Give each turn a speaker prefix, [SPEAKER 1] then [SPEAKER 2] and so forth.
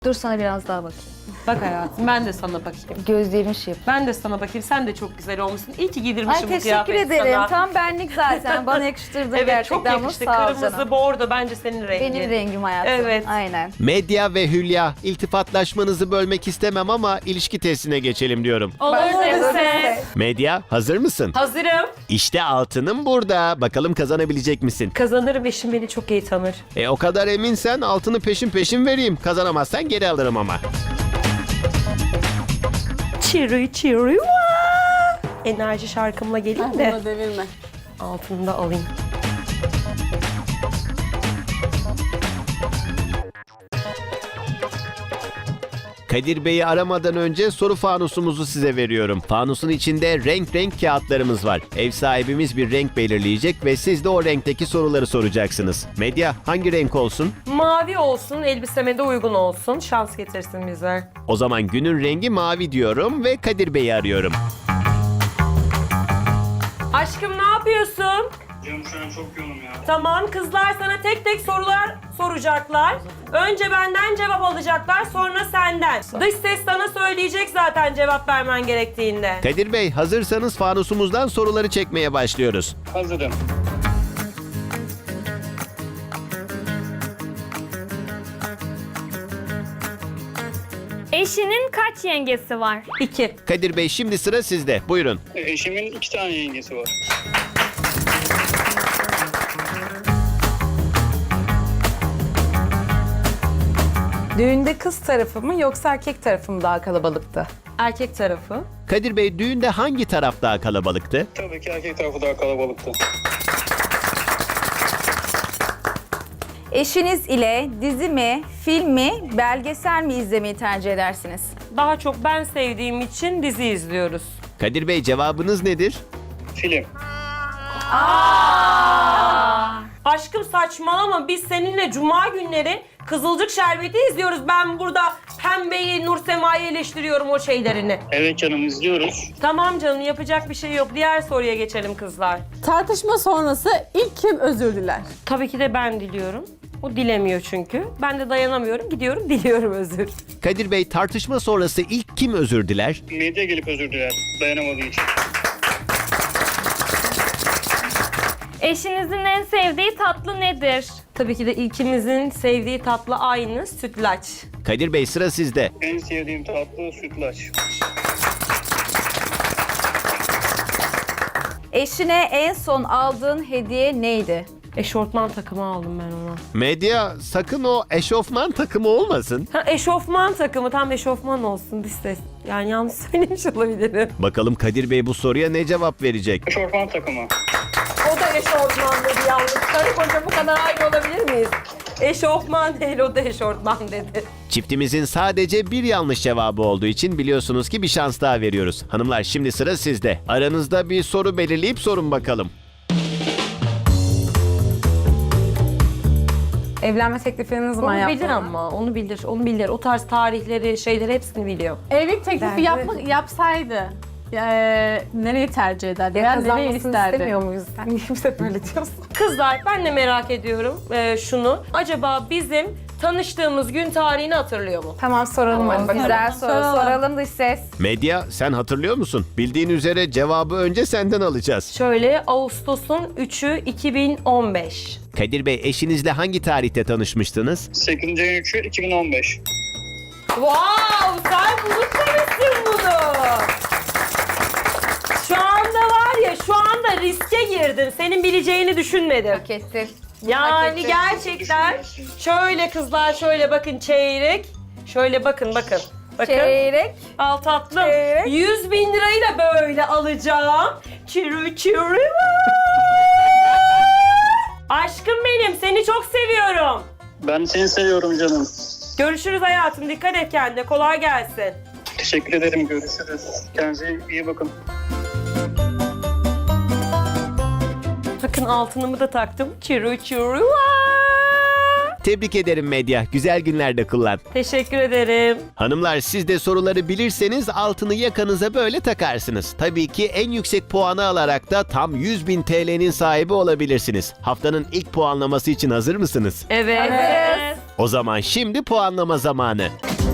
[SPEAKER 1] Dur sana biraz daha bakayım.
[SPEAKER 2] Bak hayatım, ben de sana bakayım.
[SPEAKER 1] Gözlerin şey.
[SPEAKER 2] Ben de sana bakayım. Sen de çok güzel olmuşsun. İyi ki
[SPEAKER 1] Ay
[SPEAKER 2] giydirmişim bu
[SPEAKER 1] teşekkür
[SPEAKER 2] kıyafeti
[SPEAKER 1] ederim.
[SPEAKER 2] sana.
[SPEAKER 1] Tam benlik zaten. Bana yakıştırdı
[SPEAKER 2] Evet,
[SPEAKER 1] gerçekten.
[SPEAKER 2] çok yakıştı.
[SPEAKER 1] Sağ ol
[SPEAKER 2] Kırmızı,
[SPEAKER 1] canım.
[SPEAKER 2] bordo bence senin rengin.
[SPEAKER 1] Benim rengim hayatım.
[SPEAKER 2] Evet.
[SPEAKER 1] Aynen.
[SPEAKER 3] Medya ve Hülya, iltifatlaşmanızı bölmek istemem ama ilişki testine geçelim diyorum.
[SPEAKER 2] Olur neyse.
[SPEAKER 3] Medya, hazır mısın?
[SPEAKER 2] Hazırım.
[SPEAKER 3] İşte altının burada. Bakalım kazanabilecek misin?
[SPEAKER 2] Kazanırım, eşim beni çok iyi tanır.
[SPEAKER 3] O kadar eminsen altını peşin peşin vereyim. Kazanamazsan geri alırım ama.
[SPEAKER 2] Çiri çiri vaa! Enerji şarkımla geleyim de
[SPEAKER 4] Bunu devirme.
[SPEAKER 2] altını da alayım.
[SPEAKER 3] Kadir Bey'i aramadan önce soru fanusumuzu size veriyorum. Fanusun içinde renk renk kağıtlarımız var. Ev sahibimiz bir renk belirleyecek ve siz de o renkteki soruları soracaksınız. Medya, hangi renk olsun?
[SPEAKER 2] Mavi olsun, elbiseme de uygun olsun. Şans getirsin bize.
[SPEAKER 3] O zaman günün rengi mavi diyorum ve Kadir Bey'i arıyorum.
[SPEAKER 2] Aşkım ne yapıyorsun?
[SPEAKER 5] Canım şu an çok yoğunum ya.
[SPEAKER 2] Tamam, kızlar sana tek tek sorular soracaklar. Önce benden cevap alacaklar, sonra senden. Dış ses sana söyleyecek zaten cevap vermen gerektiğinde.
[SPEAKER 3] Kadir Bey, hazırsanız fanusumuzdan soruları çekmeye başlıyoruz.
[SPEAKER 5] Hazırım.
[SPEAKER 6] Eşinin kaç yengesi var?
[SPEAKER 2] 2.
[SPEAKER 3] Kadir Bey, şimdi sıra sizde. Buyurun.
[SPEAKER 5] Eşimin 2 tane yengesi var.
[SPEAKER 4] Düğünde kız tarafı mı yoksa erkek tarafı mı daha kalabalıktı?
[SPEAKER 2] Erkek tarafı.
[SPEAKER 3] Kadir Bey, düğünde hangi taraf daha kalabalıktı?
[SPEAKER 5] Tabii ki erkek tarafı daha kalabalıktı.
[SPEAKER 1] Eşiniz ile dizi mi, film mi, belgesel mi izlemeyi tercih edersiniz?
[SPEAKER 2] Daha çok ben sevdiğim için dizi izliyoruz.
[SPEAKER 3] Kadir Bey, cevabınız nedir?
[SPEAKER 5] Film.
[SPEAKER 2] Aşkım saçmalama, biz seninle cuma günleri Kızılcık Şerbeti izliyoruz. Ben burada Pembe'yi, Nursema'yı eleştiriyorum o şeylerini.
[SPEAKER 5] Evet canım, izliyoruz.
[SPEAKER 2] Tamam canım, yapacak bir şey yok. Diğer soruya geçelim kızlar.
[SPEAKER 4] Tartışma sonrası ilk kim özür diler?
[SPEAKER 2] Tabii ki de ben diliyorum. O dilemiyor çünkü. Ben de dayanamıyorum, gidiyorum diliyorum özür.
[SPEAKER 3] Kadir Bey, tartışma sonrası ilk kim özür diler?
[SPEAKER 5] Medya gelip özür diler dayanamadığı için.
[SPEAKER 6] Eşinizin en sevdiği tatlı nedir?
[SPEAKER 2] Tabii ki de ilkimizin sevdiği tatlı aynı, sütlaç.
[SPEAKER 3] Kadir Bey, sıra sizde.
[SPEAKER 5] En sevdiğim tatlı sütlaç.
[SPEAKER 1] Eşine en son aldığın hediye neydi?
[SPEAKER 2] Eşortman takımı aldım ben ona.
[SPEAKER 3] Medya, sakın o eşofman takımı olmasın.
[SPEAKER 2] Ha, eşofman takımı, tam eşofman olsun dış ses. Yani yanlış söylemiş olabilirim.
[SPEAKER 3] Bakalım Kadir Bey bu soruya ne cevap verecek?
[SPEAKER 5] Eşofman takımı.
[SPEAKER 2] O da eşofman dedi yalnız. Karı koca bu kadar aynı olabilir miyiz? Eşofman değil, o da eşortman dedi.
[SPEAKER 3] Çiftimizin sadece bir yanlış cevabı olduğu için biliyorsunuz ki bir şans daha veriyoruz. Hanımlar, şimdi sıra sizde. Aranızda bir soru belirleyip sorun bakalım.
[SPEAKER 4] Evlenme teklifini ne zaman
[SPEAKER 2] Onu
[SPEAKER 4] yaptın?
[SPEAKER 2] bilir ama, onu bilir, onu bilir. O tarz tarihleri, şeyleri hepsini biliyor.
[SPEAKER 4] Evlilik teklifi yapsaydı nereyi tercih ederdi? Veya nereyi isterdi?
[SPEAKER 1] muyuz? Sen kimse böyle diyorsun.
[SPEAKER 2] Kızlar, ben de merak ediyorum şunu. Acaba bizim tanıştığımız gün tarihini hatırlıyor mu?
[SPEAKER 4] Tamam soralım hadi bakalım.
[SPEAKER 1] Güzel soru. Soralım dış ses.
[SPEAKER 3] Medya, sen hatırlıyor musun? Bildiğin üzere cevabı önce senden alacağız.
[SPEAKER 2] Şöyle, Ağustos'un 3'ü 2015.
[SPEAKER 3] Kadir Bey, eşinizle hangi tarihte tanışmıştınız?
[SPEAKER 5] 8. ayın 3'ü 2015.
[SPEAKER 2] Wow, sen unutmamışsın bunu. Şu anda var ya, şu anda riske girdin. Senin bileceğini düşünmedim.
[SPEAKER 1] Kesin.
[SPEAKER 2] Yani gerçekten şöyle kızlar, şöyle bakın çeyrek. Şöyle bakın. Bakın.
[SPEAKER 1] Çeyrek.
[SPEAKER 2] Al tatlım.
[SPEAKER 1] Çeyrek.
[SPEAKER 2] 100 bin lirayı da böyle alacağım. Çürü çürü. Aşkım benim, seni çok seviyorum.
[SPEAKER 5] Ben seni seviyorum canım.
[SPEAKER 2] Görüşürüz hayatım. Dikkat et kendine. Kolay gelsin.
[SPEAKER 5] Teşekkür ederim, görüşürüz. Kendinize iyi bakın.
[SPEAKER 2] Bakın altınımı da taktım. Çürü çürü.
[SPEAKER 3] Tebrik ederim Medya. Güzel günlerde kullan.
[SPEAKER 2] Teşekkür ederim.
[SPEAKER 3] Hanımlar, siz de soruları bilirseniz altını yakanıza böyle takarsınız. Tabii ki en yüksek puanı alarak da tam 100.000 TL'nin sahibi olabilirsiniz. Haftanın ilk puanlaması için hazır mısınız?
[SPEAKER 2] Evet.
[SPEAKER 3] O zaman şimdi puanlama zamanı.